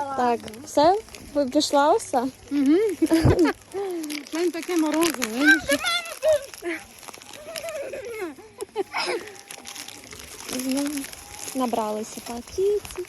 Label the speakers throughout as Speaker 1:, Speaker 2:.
Speaker 1: Так, все? Ви пішла все?
Speaker 2: Угу. Він таке морозиво.
Speaker 1: Набралися пакетів.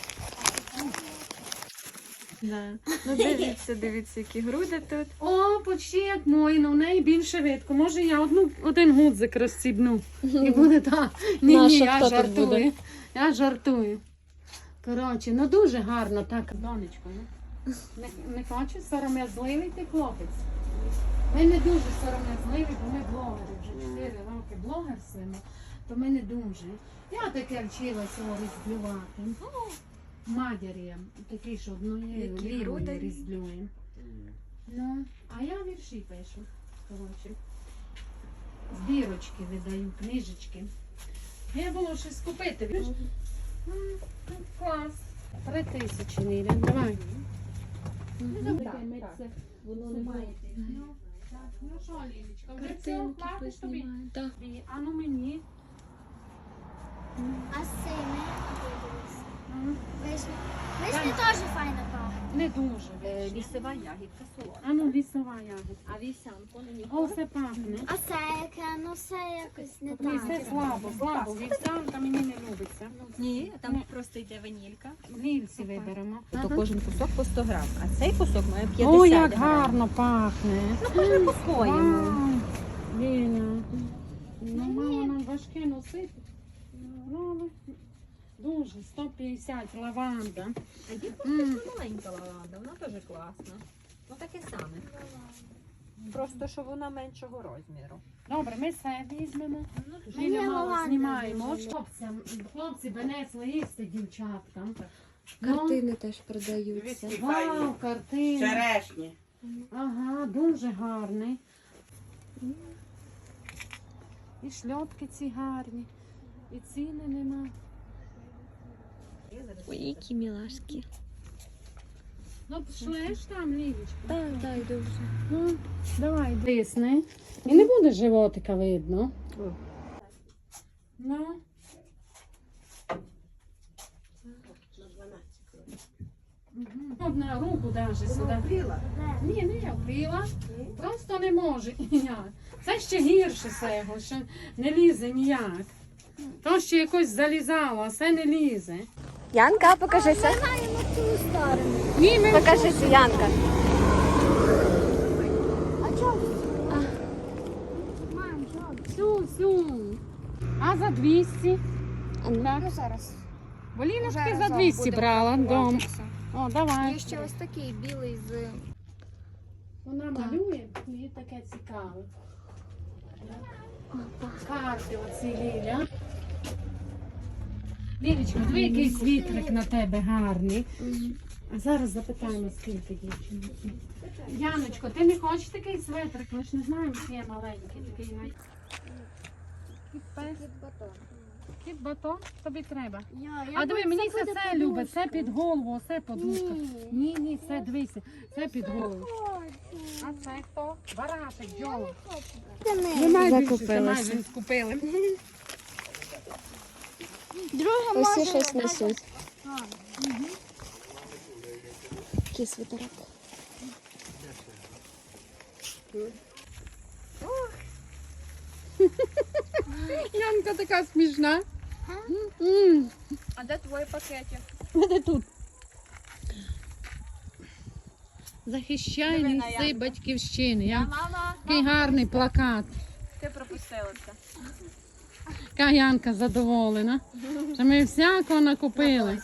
Speaker 3: Да. Ну дивіться, які груди тут.
Speaker 2: О, почти як мої, але в неї більше видко. Може я один гудзик розстібну. І буде так. Ні,
Speaker 1: Наша, хто
Speaker 2: я
Speaker 1: тут буде?
Speaker 2: жартую. Я жартую. Коротше, ну дуже гарно так. Донечко, ну. Не хочеш сором'язливий ти хлопець? Ми не дуже сором'язливі, бо ми блогери. Вже 4 роки блогерствуємо, то ми не дуже. Я таке вчилася різблювати. Матері, такі, що однією лівою різблюємо. Ну, а я вірші пишу. Коротше. Збірочки видаю, книжечки. Я було щось купити. Клас. 3000 Ніля, давай.
Speaker 1: Воно немає.
Speaker 2: Ну що, Лілечка, вже все платиш тобі?
Speaker 1: Так.
Speaker 2: А ну мені.
Speaker 4: А сини? Вишня теж файно пахне.
Speaker 2: Не дуже.
Speaker 3: Лісова ягідка солодка.
Speaker 2: А ну лісова ягодка.
Speaker 3: А вівсянку не
Speaker 2: О, все пахне.
Speaker 4: А це яке? Ну все якось не
Speaker 2: Ні, це
Speaker 4: так.
Speaker 2: слабо. Вівсянка мені не любиться.
Speaker 3: Ні, там просто йде ванілька.
Speaker 2: Вільці виберемо.
Speaker 3: То кожен кусок по 100 грам, а цей кусок має 50
Speaker 2: О, як
Speaker 3: грам.
Speaker 2: гарно пахне.
Speaker 3: Ну, кожен по-своєму.
Speaker 2: Вау. Ліля. Ну, мало нам важке носити. Ну, але дуже, 150 лаванда.
Speaker 3: А є просто маленька лаванда, вона теж класна. Ну таке саме. Просто, що вона меншого розміру.
Speaker 2: Добре, ми все візьмемо.
Speaker 4: Мені
Speaker 2: Ліля мало
Speaker 4: лаванда
Speaker 2: знімаємо.
Speaker 4: дуже.
Speaker 2: Хлопці принесли їсти дівчаткам.
Speaker 1: Картини теж продаються.
Speaker 2: Вау, картини.
Speaker 5: Черешні.
Speaker 2: Ага, дуже гарний. І шльопки ці гарні. І ціни нема.
Speaker 1: Ой, які мілашки.
Speaker 2: Ну, пішли ж там, Лілічка.
Speaker 1: Так, так, йду вже.
Speaker 2: Ну, давай, дисни. І не буде животика видно. Ну. Одна руку даже сюди. Ні, не я впила. Просто не може ніяк. Це ще гірше цього, що не лізе ніяк. То ще якось залізало, а це не лізе.
Speaker 1: Янка, покажися.
Speaker 4: Знаю на цю сторону.
Speaker 2: Ні, ми
Speaker 1: Покажися, Янка.
Speaker 4: А чого? Мам, чого?
Speaker 2: всю. А за 200?
Speaker 1: А
Speaker 4: Ну зараз.
Speaker 2: Бо Ліночки
Speaker 4: Зараз
Speaker 2: за 200
Speaker 4: буде
Speaker 2: брала дом.
Speaker 4: купуватися.
Speaker 2: О, давай.
Speaker 4: Є ще ось такий білий з...
Speaker 2: Вона малює, їй таке цікаве. Карти оці, Ліля. Лілечка, диви, який світлик на тебе гарний. А зараз запитаємо, скільки дівчинки. Яночко, ти не хочеш такий светрик? Ми ж не знаємо, чи є маленький такий. Кіт батон тобі треба. А диви, мені це любить, це під голову, це подушка. Ні, це дивися, це під голову. А це хто? Барашек, Джола.
Speaker 1: Закупилася.
Speaker 2: Скупили.
Speaker 4: Друге
Speaker 1: Усі
Speaker 4: може...
Speaker 1: щось несуть. Який свитерок.
Speaker 2: Янка така смішна.
Speaker 3: А де твої пакети?
Speaker 2: Де тут? Захищай
Speaker 3: Диви на
Speaker 2: ліси
Speaker 3: Янку.
Speaker 2: батьківщини.
Speaker 3: Мама,
Speaker 2: Який гарний плакат.
Speaker 3: ти пропустила це.
Speaker 2: Яка Янка задоволена. Що ми всякого накупили.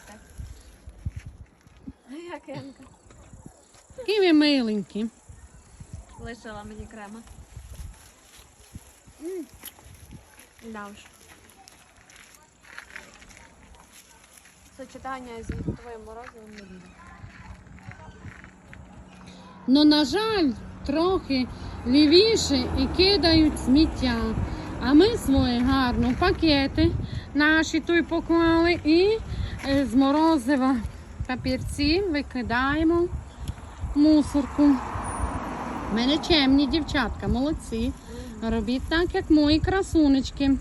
Speaker 3: Як Янка?
Speaker 2: Які ви миленькі.
Speaker 3: Лишила мені крема. Да уж. Сочетання з твоїм морозивом не буде.
Speaker 2: Ну, на жаль, трохи лівіше і кидають сміття. А ми свої гарно в пакети наші тут поклали і з морозива папірці викидаємо в мусорку. У мене чемні дівчатка, молодці. Робіть так, як мої красунечки.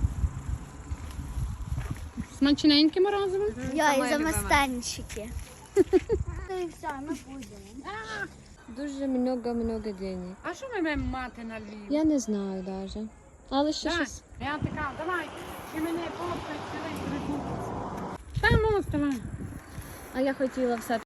Speaker 2: Смачненьке морозиво?
Speaker 4: Я і за майстанчики. І все, ми будемо.
Speaker 1: Дуже много денег.
Speaker 2: А що ми маємо мати на Львів?
Speaker 1: Я не знаю даже. Але ще
Speaker 2: Так,
Speaker 1: щось.
Speaker 2: я така, давай, і мене попають, цілий придумався. Та ну, вставай.
Speaker 1: А я хотіла все